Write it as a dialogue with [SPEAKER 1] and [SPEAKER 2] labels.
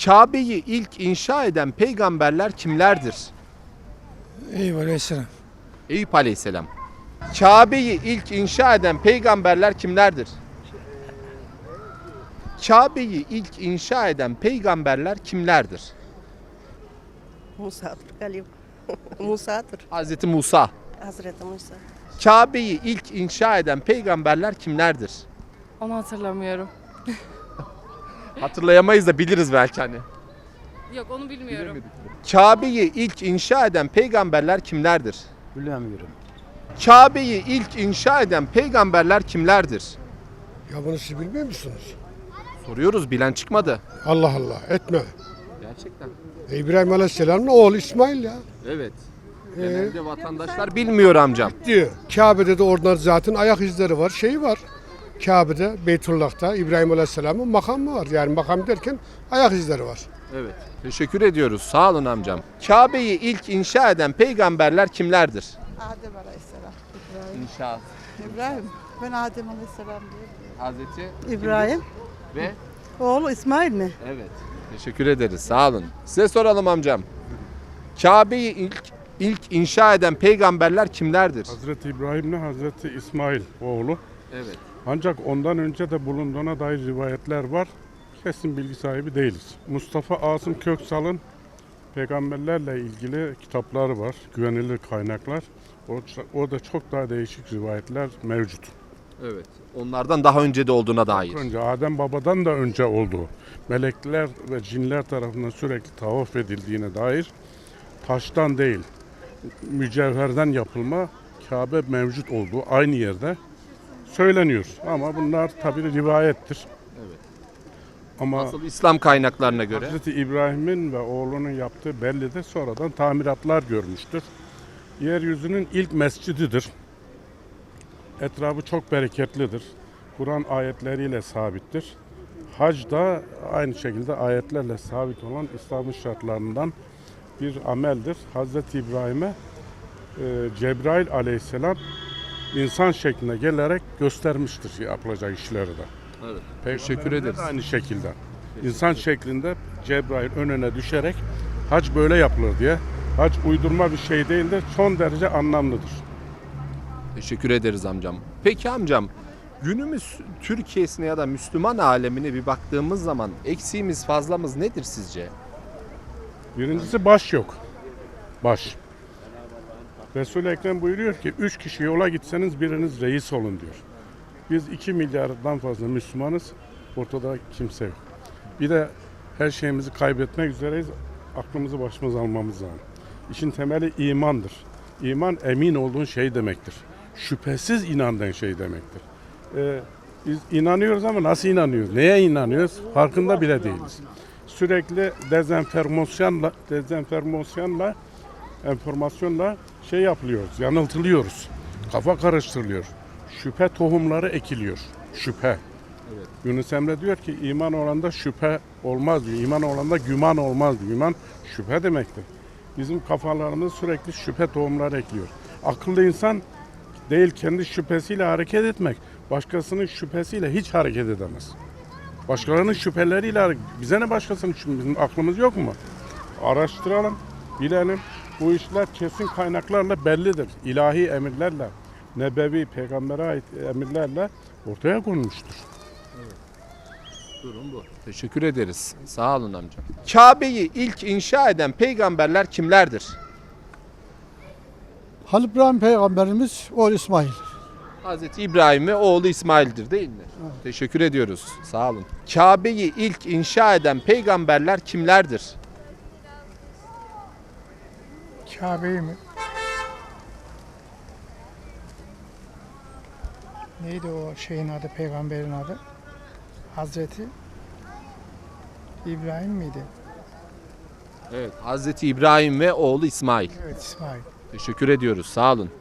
[SPEAKER 1] Kabe'yi ilk inşa eden peygamberler kimlerdir?
[SPEAKER 2] Eyvallah aleyhisselam.
[SPEAKER 1] Eyüp Aleyhisselam. Kabe'yi ilk inşa eden peygamberler kimlerdir? Kabe'yi ilk inşa eden peygamberler kimlerdir?
[SPEAKER 3] Musa'dır galiba. Musa'dır.
[SPEAKER 1] Hazreti Musa.
[SPEAKER 3] Hazreti Musa.
[SPEAKER 1] Kabe'yi ilk inşa eden peygamberler kimlerdir?
[SPEAKER 4] Onu hatırlamıyorum.
[SPEAKER 1] Hatırlayamayız da biliriz belki hani.
[SPEAKER 4] Yok onu bilmiyorum.
[SPEAKER 1] Kabe'yi ilk inşa eden peygamberler kimlerdir?
[SPEAKER 2] Bilemiyorum.
[SPEAKER 1] Kabe'yi ilk inşa eden peygamberler kimlerdir?
[SPEAKER 5] Ya bunu siz bilmiyor musunuz?
[SPEAKER 1] Soruyoruz, bilen çıkmadı.
[SPEAKER 5] Allah Allah etme.
[SPEAKER 1] Gerçekten.
[SPEAKER 5] İbrahim Aleyhisselam'ın oğlu İsmail ya.
[SPEAKER 1] Evet. Genelde vatandaşlar bilmiyor amcam.
[SPEAKER 5] Diyor. Kabe'de de oradan zaten ayak izleri var, şeyi var. Kabe'de, Beytullah'ta İbrahim Aleyhisselam'ın makamı var. Yani makam derken ayak izleri var.
[SPEAKER 1] Evet. Teşekkür ediyoruz. Sağ olun amcam. Kabe'yi ilk inşa eden peygamberler kimlerdir?
[SPEAKER 6] Adem Aleyhisselam.
[SPEAKER 1] İnşa.
[SPEAKER 6] İbrahim. Ben Adem Aleyhisselam diyorum.
[SPEAKER 1] Hazreti
[SPEAKER 6] İbrahim.
[SPEAKER 1] ve
[SPEAKER 6] Oğlu İsmail mi?
[SPEAKER 1] evet. Teşekkür ederiz. Sağ olun. Size soralım amcam. Kabe'yi ilk inşa eden peygamberler kimlerdir?
[SPEAKER 7] Hazreti İbrahim'le Hazreti İsmail oğlu.
[SPEAKER 1] Evet.
[SPEAKER 7] Ancak ondan önce de bulunduğuna dair rivayetler var. Kesin bilgi sahibi değiliz. Mustafa Asım Köksal'ın peygamberlerle ilgili kitapları var. Güvenilir kaynaklar. Orada çok daha değişik rivayetler mevcut.
[SPEAKER 1] Evet. Onlardan daha önce de olduğuna dair.
[SPEAKER 7] Önce Adem babadan da önce olduğu, melekler ve cinler tarafından sürekli tavaf edildiğine dair taştan değil, mücevherden yapılma Kabe mevcut olduğu aynı yerde söyleniyor. Ama bunlar tabii rivayettir.
[SPEAKER 1] Evet.
[SPEAKER 7] Ama
[SPEAKER 1] Asıl İslam kaynaklarına göre.
[SPEAKER 7] Hazreti İbrahim'in ve oğlunun yaptığı bellidir. Sonradan tamiratlar görmüştür. Yeryüzünün ilk mescididir. Etrafı çok bereketlidir. Kur'an ayetleriyle sabittir. Hac da aynı şekilde ayetlerle sabit olan İslam'ın şartlarından bir ameldir. Hazreti İbrahim'e Cebrail aleyhisselam insan şekline gelerek göstermiştir yapılacak işleri de.
[SPEAKER 1] Evet.
[SPEAKER 7] Peygamberler
[SPEAKER 1] Teşekkür
[SPEAKER 7] de
[SPEAKER 1] ederiz.
[SPEAKER 7] aynı şekilde. İnsan şeklinde Cebrail önüne düşerek hac böyle yapılır diye. Hac uydurma bir şey değildir. Son derece anlamlıdır.
[SPEAKER 1] Teşekkür ederiz amcam. Peki amcam, günümüz Türkiye'sine ya da Müslüman alemine bir baktığımız zaman eksiğimiz fazlamız nedir sizce?
[SPEAKER 7] Birincisi baş yok. Baş. Resul-i Ekrem buyuruyor ki 3 kişi yola gitseniz biriniz reis olun diyor. Biz 2 milyardan fazla Müslümanız. Ortada kimse yok. Bir de her şeyimizi kaybetmek üzereyiz. Aklımızı başımıza almamız lazım. İşin temeli imandır. İman emin olduğun şey demektir. Şüphesiz inandığın şey demektir. Biz inanıyoruz ama nasıl inanıyoruz? Neye inanıyoruz? Farkında bile değiliz. Sürekli enformasyonla şey yapılıyoruz, yanıltılıyoruz. Kafa karıştırılıyor. Şüphe tohumları ekiliyor. Şüphe.
[SPEAKER 1] Evet.
[SPEAKER 7] Yunus Emre diyor ki iman olanda şüphe olmaz diyor. İman olanda güman olmaz diyor. İman şüphe demektir. Bizim kafalarımız sürekli şüphe tohumları ekliyor. Akıllı insan değil kendi şüphesiyle hareket etmek, başkasının şüphesiyle hiç hareket edemez. Başkalarının şüpheleriyle bize ne başkasının şüphesi? Bizim aklımız yok mu? Araştıralım, bilelim. Bu işler kesin kaynaklarla bellidir. İlahi emirlerle, nebevi, peygambere ait emirlerle ortaya konulmuştur.
[SPEAKER 1] Durum bu. Teşekkür ederiz. Sağ olun amcam. Kabe'yi ilk inşa eden peygamberler kimlerdir?
[SPEAKER 2] Halil İbrahim peygamberimiz oğlu İsmail.
[SPEAKER 1] Hazreti İbrahim ve oğlu İsmail'dir değil mi? Teşekkür ediyoruz. Sağ olun. Kabe'yi ilk inşa eden peygamberler kimlerdir?
[SPEAKER 8] Kabe'yi mi? Neydi o şeyin adı, peygamberin adı? Hazreti İbrahim miydi?
[SPEAKER 1] Evet. Hazreti İbrahim ve oğlu İsmail.
[SPEAKER 8] Evet, İsmail.
[SPEAKER 1] Teşekkür ediyoruz. Sağ olun.